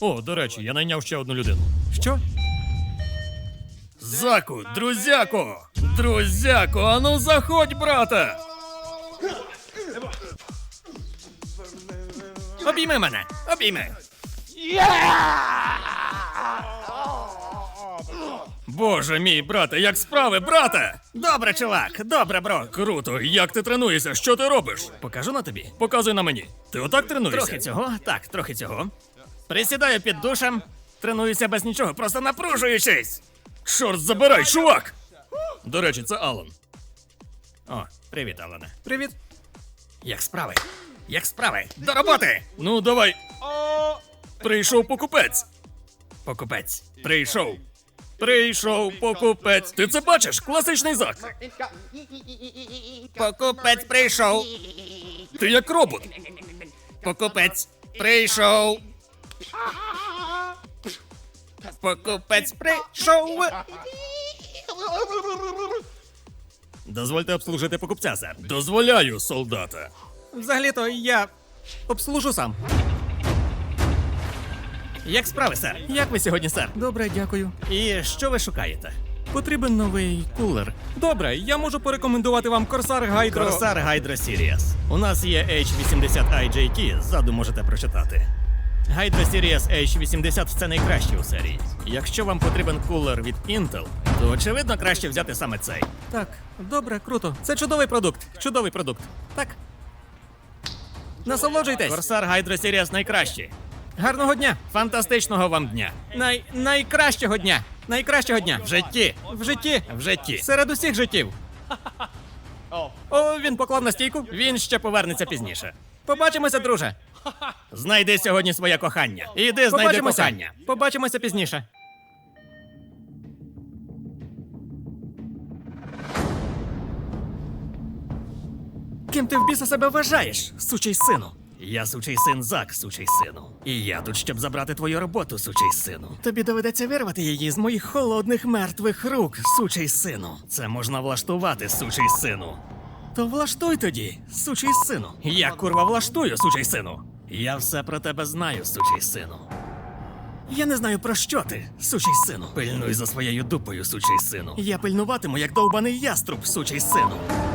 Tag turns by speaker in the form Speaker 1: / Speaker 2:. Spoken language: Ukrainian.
Speaker 1: О, до речі, я найняв ще одну людину.
Speaker 2: Що?
Speaker 1: Заку, друзяко! Друзяко, ану заходь, брате!
Speaker 2: Обійми мене! Обійми!
Speaker 1: Боже мій, брате, як справи, брате?
Speaker 2: Добре, чувак! Добре, бро!
Speaker 1: Круто, як ти тренуєшся? Що ти робиш?
Speaker 2: Покажу на тобі.
Speaker 1: Показуй на мені. Ти отак тренуєшся?
Speaker 2: Трохи цього, так, трохи цього. Присідаю під душем, тренуюся без нічого, просто напружуючись.
Speaker 1: Чорт забирай, чувак! До речі, це Алан.
Speaker 2: О, привіт, Алане. Привіт. Як справи? Як справи? До роботи!
Speaker 1: Ну, давай. Прийшов покупець.
Speaker 2: Покупець.
Speaker 1: Прийшов. Прийшов покупець. Ти це бачиш? Класичний Зак.
Speaker 2: Покупець прийшов.
Speaker 1: Ти як робот.
Speaker 2: Покупець прийшов. Покупець прийшов.
Speaker 1: Дозвольте обслужити покупця, сер. Дозволяю, солдата.
Speaker 2: Взагалі-то я обслужу сам. Як справи, сер? Як ви сьогодні, сер?
Speaker 1: Добре, дякую.
Speaker 2: І що ви шукаєте?
Speaker 1: Потрібен новий кулер. Добре, я можу порекомендувати вам Corsair Hydro...
Speaker 2: Corsair Hydro Series. У нас є H80 IJT, ззаду можете прочитати. Hydro Series H80 – це найкраще у серії. Якщо вам потрібен кулер від Intel, то очевидно краще взяти саме цей.
Speaker 1: Так, добре, круто. Це чудовий продукт. Чудовий продукт.
Speaker 2: Так.
Speaker 1: Насолоджуйтесь.
Speaker 2: Corsair Hydro Series найкращі.
Speaker 1: Гарного дня.
Speaker 2: Фантастичного вам дня.
Speaker 1: Найкращого дня. Найкращого дня.
Speaker 2: В житті.
Speaker 1: В житті.
Speaker 2: В житті.
Speaker 1: Серед усіх життів. О, він поклав на стійку.
Speaker 2: Він ще повернеться пізніше.
Speaker 1: Побачимося, друже.
Speaker 2: Знайди сьогодні своє кохання. Іди, знайди
Speaker 1: Побачимося.
Speaker 2: кохання.
Speaker 1: Побачимося пізніше. Ким ти в біса себе вважаєш, сучий сину?
Speaker 2: Я сучий син Зак, сучий сину. І я тут, щоб забрати твою роботу, сучий сину.
Speaker 1: Тобі доведеться вирвати її з моїх холодних мертвих рук, сучий сину.
Speaker 2: Це можна влаштувати, сучий сину.
Speaker 1: То влаштуй тоді, сучий сину.
Speaker 2: Я, курва, влаштую, сучий сину. Я все про тебе знаю, сучий сину.
Speaker 1: Я не знаю, про що ти, сучий сину.
Speaker 2: Пильнуй за своєю дупою, сучий сину.
Speaker 1: Я пильнуватиму, як довбаний яструб, сучий сину.